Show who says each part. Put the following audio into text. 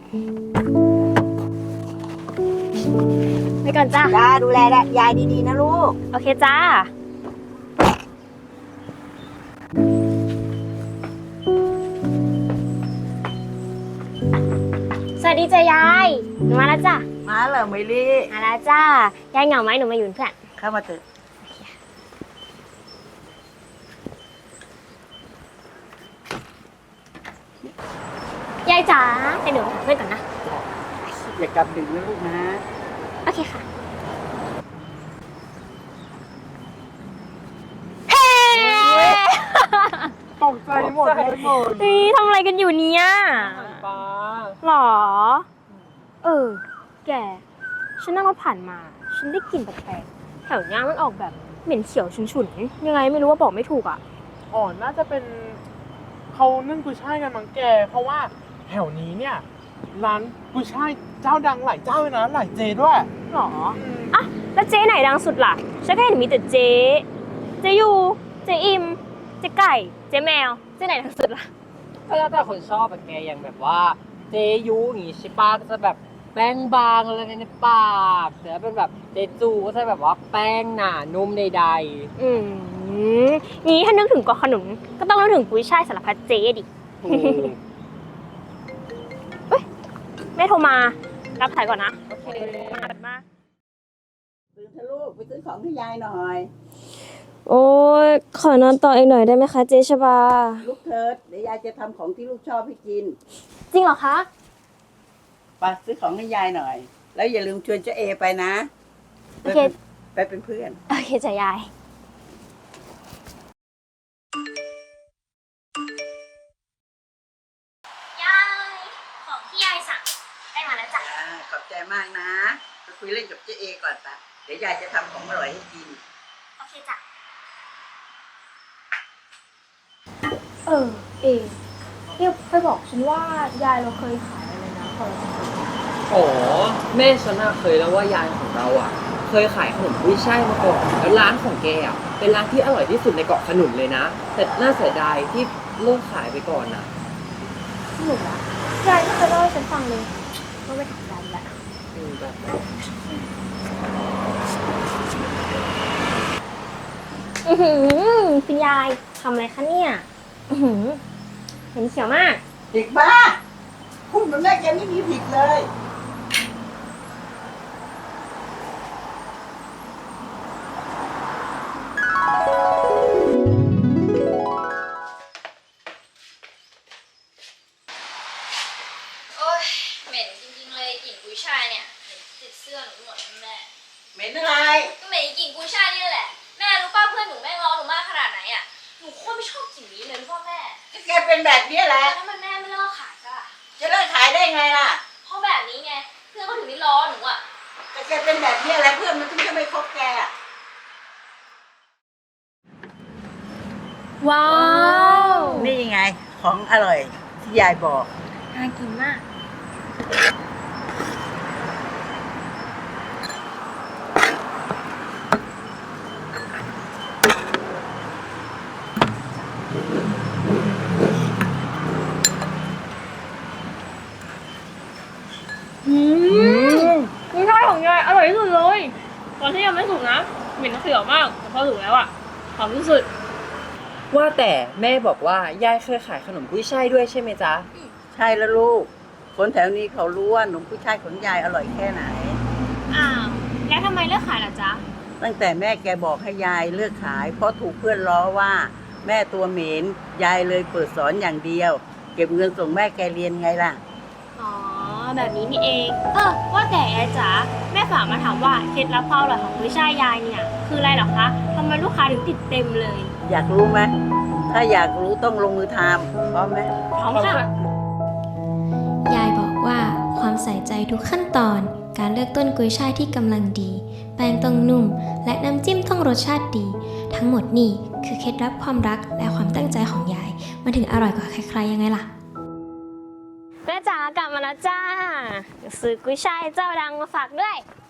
Speaker 1: ไปก่อนจ้า
Speaker 2: จ้าดูแลยายดีๆนะลูก
Speaker 1: โอเคจ้าสวัสดีจ้ายายหนูมาแล้วจ้ะ
Speaker 2: มาเหรอเมลี่
Speaker 1: มาแล้วจ้ายายเหงาไหมหนูมาอยู่เป็นเพื่อน
Speaker 2: เข้ามาเถอะ
Speaker 1: ยายจ๋าให้หนูเพื่อนก่อนนะ
Speaker 2: อย่ากลับดึกนะลูกนะ
Speaker 1: โอเคค่ะ
Speaker 2: ตกใจหมดเลยหมด
Speaker 1: นี่ทำอะไรกันอยู่เนี่ย
Speaker 3: ป้า
Speaker 1: หรอแกฉันนั่งรถผ่านมาฉันได้กลิ่นแปลกๆแถวนี้มันออกแบบเหม็นเขียวฉุนๆยังไงไม่รู้ว่าบอกไม่ถูกอ่ะ
Speaker 3: อ๋อน่าจะเป็นเขานึ่งกุยช่ายกันมั้งแกเพราะว่าแถวนี้เนี่ยร้านกุยช่ายเจ้าดังหลายเจ้าเลยนะหลายเจด้วย
Speaker 1: หรออ่ะแล้วเจ๊ไหนดังสุดล่ะฉันแค่เห็นมีแต่เจ๊ยูเจ๊อิมเจ๊ไก่เจ๊แมวเจ๊ไหนดังสุดล่ะ
Speaker 4: ก็แล้วแต่คนชอบแบบแกอย่างแบบว่าเจยุอย่างงี้ใช่ป้าก็จะแบบแป้งบางอะไรในปากแต่ถ้าเป็นแบบเจจูก็จะแบบว่าแป้งหนานุ่มใด
Speaker 1: งี้ถ้านึกถึงเกาะขนุนก็ต้องนึกถึงกุ้ยช่ายสารพัดเจ๊ดิเฮ้ยแม่โทรมารับสายก่อนนะโอเคมา
Speaker 2: ตื่นเถอะลูกไปซื้อของให้ยายหน่อย
Speaker 1: โอ้ยขอนอนต่ออีกหน่อยได้ไหมคะเจ๊ชบา
Speaker 2: ลูกเถิดเดี๋ยวยายจะทำของที่ลูกชอบให้กิน
Speaker 1: จริงเหรอคะ
Speaker 2: ไปซื้อของให้ยายหน่อยแล้วอย่าลืมชวนเจ๊เอไปนะ
Speaker 1: โอเค
Speaker 2: ไปเป็นเพื่อน
Speaker 1: โอเคจ้ะยายของที่ยายสั่งได้มาแล้วจ้ะ
Speaker 2: ขอบใจมากนะไปคุยเล่นกับเจ๊เอก่อนปะเดี๋ยวยายจะทำของอร่อยให้กิน
Speaker 1: โอเคจ้ะเนี่ยเคยบอกฉันว่ายายเราเคยขายอะไรนะพอเราจะเคย
Speaker 4: โอ้แม่ฉันเคยแล้วว่ายายของเราเคยขายขนมกุ้ยช่ายมาก่อนแล้วร้านของแกเป็นร้านที่อร่อยที่สุดในเกาะขนุนเลยนะแต่น่าเสียดายที่เลิกขายไปก่อนนะ
Speaker 1: หนูอะยายไม่เคยเล่าให้ฉันฟังเลยว่าไปถามยายแหละคุณยายทำอะไรคะเนี่ยเห็นเขียวมาก
Speaker 2: เด็กบ้าพูดแบบแม่แกไม่มีผิดเลย
Speaker 5: โอ๊ยเหม็นจริงๆเลยกลิ่นกุ้ยช่ายเนี่ยเหม็นติดเสื้อหนูหมดแม่
Speaker 2: เหม็นอะไร
Speaker 5: ก็เหม็นกลิ่นกุ้ยช่ายนี่แหละแม่รู้ป่ะเพื่อนหนูแม่ง้อหนูมากขนาดไหนอ่ะหนูโคตรไม่ชอบกลิ่นนี้เลยรู้ป่ะแม่
Speaker 2: แกเป็นแบบนี้แหละ
Speaker 5: ถ้ามันแม่ไม่เลิกขายก็
Speaker 2: จะเลิกขายได้ไงล่ะ
Speaker 5: เพราะแบบนี้ไงเพื่อนก็ถึงได้ล้อหนูอ่ะ
Speaker 2: แต่แกเป็นแบบนี้แหละเพื่อนมันถึงจะไม่คบแก
Speaker 1: ว้าว
Speaker 2: นี่ไงของอร่อยที่ยายบอก
Speaker 1: น่ากินมากกุ้ยช่ายของยายอร่อยที่สุดเลยตอนที่ยังไม่สุกนะเหม็นเขียวมากแต่พอสุกแล้วหอมที่สุด
Speaker 4: ว่าแต่แม่บอกว่ายายเคยขายขนมกุ้ยช่ายด้วยใช่ไหมจ๊ะ
Speaker 2: ใช่แล้วลูกคนแถวนี้เขารู้ว่าขนมกุ้ยช่ายของยายอร่อยแค่ไหน
Speaker 1: อ้าวแล้วทำไมเลิกขายล่ะจ๊ะ
Speaker 2: ตั้งแต่แม่แกบอกให้ยายเลิกขายเพราะถูกเพื่อนล้อว่าแม่ตัวเหม็นยายเลยเปิดสอนอย่างเดียวเก็บเงินส่งแม่แกเรียนไงล่ะ
Speaker 1: อ๋อแบบนี้นี่เองว่าแต่ยายจ๋าแม่ฝากมาถามว่าเคล็ดลับความอร่อยของกุ้ยช่ายยายเนี่ยคืออะไรหรอคะทำไมลูกค้าถึงติดเต็มเลย
Speaker 2: อยากรู้ไหมถ้าอยากรู้ต้องลงมือทำพร้อมไหม
Speaker 1: พร้อมค่ะ
Speaker 6: ยายบอกว่าความใส่ใจทุกขั้นตอนการเลือกต้นกุยช่ายที่กำลังดีแป้งต้องนุ่มและน้ำจิ้มต้องรสชาติดีทั้งหมดนี่คือเคล็ดลับความรักและความตั้งใจของยายมันถึงอร่อยกว่าใครๆยังไงล่ะ
Speaker 1: แม่จ๋ากลับมาแล้วจ้าซื้อกุ้ยช่ายเจ้าดังมาฝากด้วย